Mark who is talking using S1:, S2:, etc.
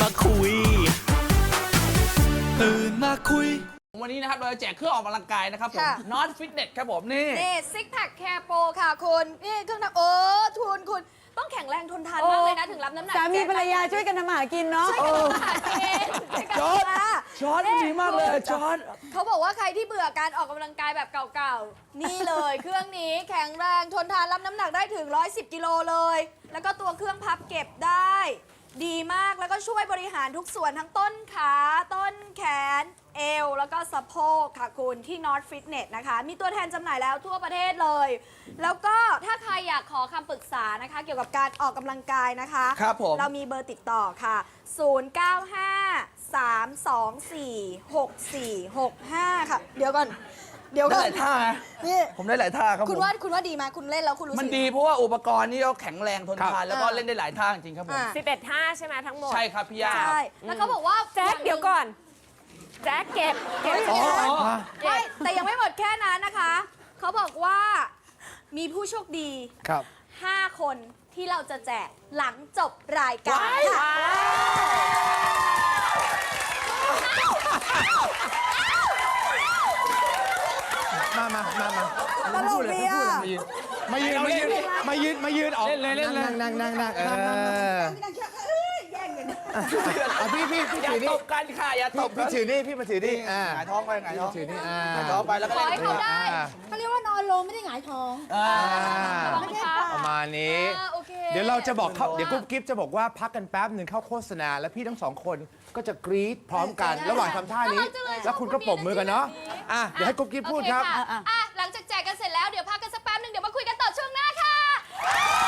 S1: คุยตื่นมาคุย
S2: วันนี้นะครับเราจะแจกเครื่องออกกำลังกายนะครับผม
S3: ค่ะ
S2: Not Fitness ครับผมนี่
S3: นี่ซิกแพคแคร์โปรค่ะคุณนี่เครื่องทำคุณต้องแข็งแรงทนทานมากเลยนะถึงรับน้ำหนัก
S4: สามีภรรยาช่วยกันทำมาหากินเนาะ
S2: จอร์จจอร์จดีมากเลยจอร์จ
S3: เขาบอกว่าใครที่เบื่อการออกกำลังกายแบบเก่าๆ นี่เลย เครื่องนี้แข็งแรงทนทานรับน้ำหนักได้ถึง 110 กิโลเลย แล้วก็ตัวเครื่องพับเก็บได้ ดีมากแล้วก็ช่วยบริหารทุกส่วนทั้งต้นขาต้นแขนเอวแล้วก็สะโพกค่ะคุณที่ North Fitness นะคะมีตัวแทนจำหน่ายแล้วทั่วประเทศเลย แล้วก็ถ้าใครอยากขอคำปรึกษานะคะ เกี่ยวกับการออกกำลังกายนะคะ
S2: ครับผม
S3: เรามีเบอร์ติดต่อค่ะ 0953246465 ค่ะ เดี๋ยวก่อน
S2: ได้หลายท่านะ
S3: นี่
S2: ผมได้หลายท่าครับ
S3: คุณ
S2: ผม
S3: ว่าดีไหมคุณเล่นแล้วคุณรู้สึก
S2: มันดีเพราะว่าอุปกรณ์นี่ก็แข็งแรงทนทานแล้วก็
S3: อ่า
S2: เล่นได้หลายท่าจริงๆครับผม
S3: อ่า
S4: 11 ท่าใช่ไหมทั้งหมด
S2: ใช่ครับพี่ยา
S3: ใช่แล้วเขาบอกว่า
S4: แจ็คเดี๋ยวก่อน แจ็คเก็บ
S2: อ๋อ
S3: ไม่แต่ยังไม่หมดแค่นั้นนะคะ เขาบอกว่ามีผู้โชคดี
S2: ครับ
S3: 5 คนที่เราจะแจกหลังจบรายการค่ะ
S5: ตลกดีอ่ะมายืนออก
S2: เล่นเลย
S5: นั่งพี่
S2: อย่า
S5: ถือ
S2: ต
S5: นี่
S2: บกันค่ะอย่าตบ
S5: พี่ถือนี่พี่มาถือนี่
S2: หงายท้องไปหงายท้อง
S5: ถือนี่
S2: หงายท้องไปแล้วก็
S3: ขอ
S2: เล่
S3: ให้
S2: น
S3: เขาได้
S6: เขาเรียกว่านอนลงไม่ได้หงายท้อง
S3: ระวังนะคะ
S5: ประมาณนี้
S3: โอเค
S5: เดี๋ยวเราจะบอกเขาเดี๋ยวกุ๊บกิ๊บจะบอกว่าพักกันแป๊บหนึ่งเข้าโฆษณา แล้วพี่ทั้งสองคนก็จะกรี๊ดพร้อมกันระหว่างทำท่านี้ แล้วคุณก็ปรบมือกันเนาะอ่ะเดี๋ยวให้กุ๊บกิ๊บพูดครับ
S3: โอเะหลังจากแจกกันเสร็จแล้วเดี๋ยวพักกันสักแป๊บนึงเดี๋ยวมาคุยกันต่อช่วงหน้าค่ะ